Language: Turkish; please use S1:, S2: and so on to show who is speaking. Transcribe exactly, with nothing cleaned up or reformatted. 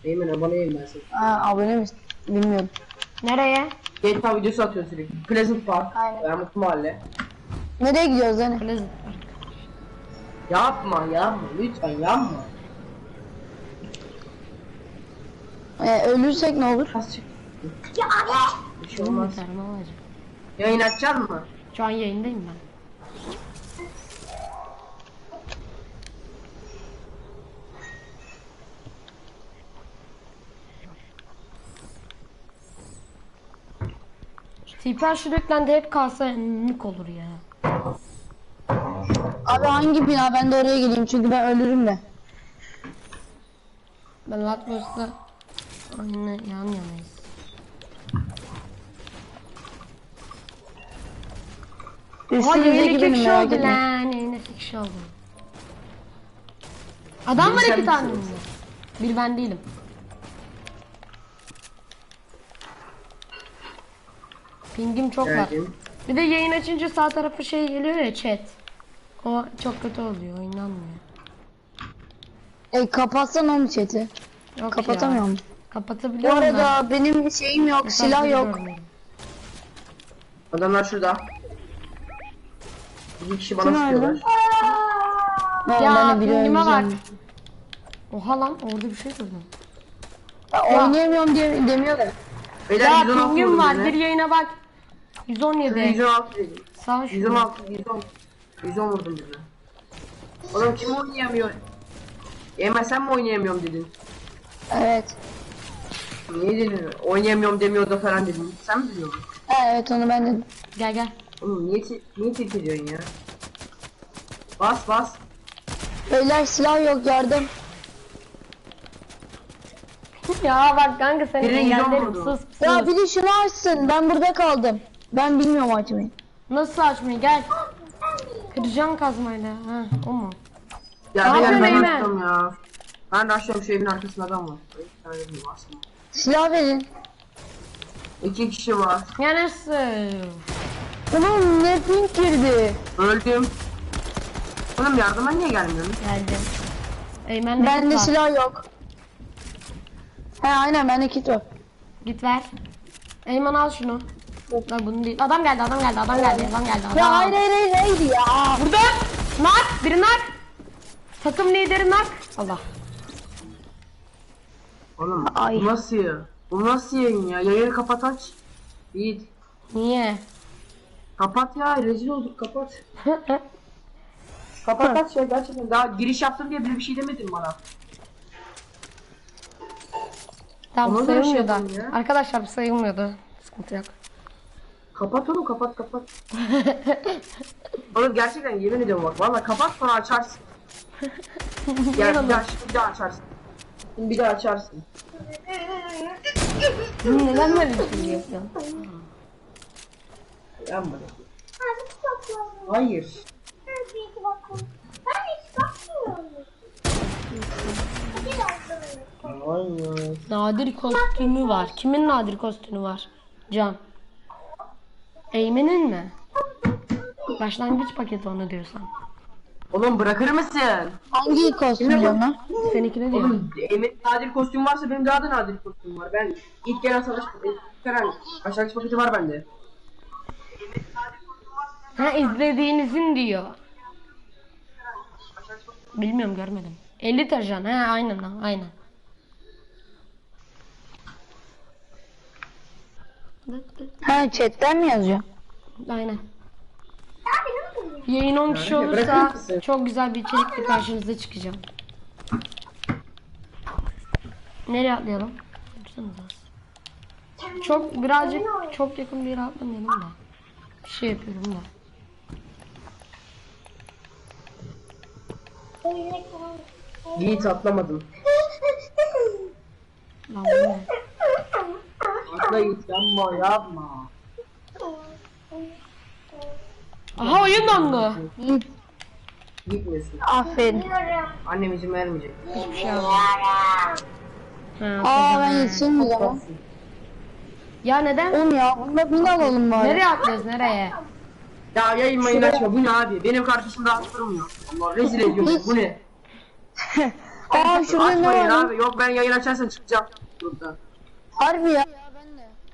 S1: Eymen abone yayın ben seni.
S2: Ha, abone misin? Bilmiyorum.
S3: Nereye?
S1: G T A videosu atıyor sürekli. Pleasant Park.
S2: Aynen.
S1: Veya Mutlu Mahalle.
S2: Nereye gidiyoruz hani?
S3: Pleasant.
S1: Yapma yapma lütfen yapma.
S2: Ee, ölürsek ne olur?
S1: Az çık.
S4: Ya abi.
S1: Bir şey olmaz.
S3: Yeter, ne olacak?
S1: Yayın açacak mı?
S3: Şu an yayındayım ben. Tiper sürekli hep kalsa mük olur ya.
S2: Abi hangi bina? Ben de oraya geleyim çünkü ben ölürüm de.
S3: Ben Latmos'la aynı yan yanayız. Oha
S2: Üstünüze
S3: yayın iki
S2: gidelim
S3: kişi
S2: merak
S3: oldu
S2: etme.
S3: lan. Yayın iki kişi oldu. Adam
S1: Biri
S3: var
S1: sen
S3: iki tane mi?
S1: misin?
S3: Bir ben değilim. Pingim çok var.
S1: Geldim.
S3: Bir de yayın açınca sağ tarafı şey geliyor ya, chat. O çok kötü oluyor, oynanmıyor.
S2: E kapatsan onu chat'i.
S3: Yok
S2: Kapatamıyorum.
S3: ya.
S2: Bu
S3: Kapatabiliyorum da.
S2: arada benim şeyim yok, silah yok.
S3: görmüyorum.
S1: Adamlar şurada. Bir kişi bana
S2: Kim
S1: sıkıyorlar.
S2: öldü? Ne
S3: Ya,
S2: ben de biri
S3: pingime bak.
S2: öleceğim.
S3: Oha lan, orada bir şey gördüm.
S2: Ya, oynayamıyorum diye demiyor da.
S1: Beyler
S3: Ya
S1: yüz on altı
S3: pingim
S1: vurdum
S3: var,
S1: yine.
S3: bir yayına bak. yüz on yedi.
S1: yüz on altı dedim.
S3: Sağ
S1: yüz on
S3: şu.
S1: altı, yüz on. yüz on vurdum bize. Oğlum kim oynayamıyor? Eymen sen mi oynayamıyorum dedin?
S2: Evet.
S1: Niye dedin? Oynayamıyorum demiyordu falan dedin. Sen mi biliyorsun?
S2: Ha, evet onu ben dedim.
S3: Gel gel.
S1: Oğlum niye, te niye tehdit ediyorsun ya? Bas bas.
S2: Beyler silah yok, yardım.
S3: Ya bak kanka seni
S1: Biri yüz on
S3: engellerim,
S1: vurdu.
S3: sus sus.
S2: Ya biri şunu açsın, ben burada kaldım. Ben bilmiyorum açmayı.
S3: Nasıl açmayı, gel. Kıracağım kazmayla. Ha, o mu?
S1: Ya
S3: Ne
S1: beyler
S3: yapıyorsun
S1: ben
S3: Eymen?
S1: açtım ya. Ben de açıyorum şu evin arkasında adam var. Bir tane değil aslında.
S2: Silah verin.
S1: İki kişi var.
S3: Ya nasıl?
S2: Ulan ne pink girdi.
S1: Öldüm. Oğlum yardıma niye gelmiyorsun?
S3: Geldim. Eymen
S2: Bende
S3: var.
S2: silah yok. He aynen bende kit var.
S3: Git ver. Eymen al şunu. Lan bunu değil. Adam geldi, adam geldi, adam geldi, adam geldi. Adam.
S2: Ya hayır hayır hayır hayır ya.
S3: Burada. Nak, biri nak. Takım lideri nak. Allah.
S1: Oğlum
S2: Ay.
S1: bu nasıl ya? Bu nasıl yayın ya? Yayını kapat aç. Yiğit.
S3: Niye?
S1: Kapat ya rezil olduk kapat. Kapat aç ya gerçekten daha giriş yaptım diye bile bir şey demedin bana.
S3: Tamam,
S1: Ona göre şey
S3: sayılmıyordu.
S1: yapalım ya.
S3: Arkadaşlar bu sayılmıyordu. Sıkıntı yok.
S1: Kapat oğlum kapat kapat. Oğlum gerçekten yemin ediyorum bak valla kapat sonra açarsın. Ya bir daha, bir daha açarsın. Şimdi bir daha açarsın.
S3: Neden böyle bir şey yapıyorsun?
S1: Yapma.
S4: Abi çok
S1: Hayır.
S4: Ben bir bakıyorum. Ben hiç bakmıyorum. Hadi bakalım.
S1: Hayır.
S3: Nadir kostümü var. Kimin nadir kostümü var? Can. Eymen'in mi? Başlangıç paketi onu diyorsan.
S1: Oğlum bırakır mısın?
S2: Hangi kostüm diyorsun lan?
S3: Seninkine diyor.
S1: Oğlum Emin nadir kostüm varsa benim daha da nadir kostüm var. Ben ilk gelen savaş ilk gelen başlangıç paketi var bende.
S3: Ha, izlediğinizin diyor. Bilmiyorum, görmedim. elli tajan. Ha aynen lan, aynen.
S2: Ha chatten mi yazıyor?
S3: Aynen. Yayın on kişi
S1: Yani bırakır
S3: olursa
S1: mısın?
S3: çok güzel bir içerikle karşınıza çıkacağım. Nereye atlayalım? Dursanıza. Çok birazcık çok yakın bir yere atlamayalım da. Bir şey yapıyorum da.
S1: Yiğit atlamadım.
S3: Lan bu ne?
S1: Atla Yiğit yapma yapma.
S3: Aha, oyun dondu.
S1: Gitmesin.
S2: Aferin.
S1: Annem izin vermeyecek.
S3: Hiçbir şey olmadı. Ha,
S2: Aa ben
S3: tamam.
S2: yetişirim o zaman.
S3: Ya neden?
S2: Oğlum ya bunda bin alalım bari.
S3: Nereye atlıyoruz, nereye?
S1: Ya yayın mayın açma bu ne abi? Benim kardeşim rahat durmuyor. Allah rezil ediyor bu ne?
S2: Aa şurada ne
S1: Açmayın
S2: var?
S1: abi. Yok ben yayın açarsan çıkacağım. Burada.
S2: Harbi ya. Ya ben de.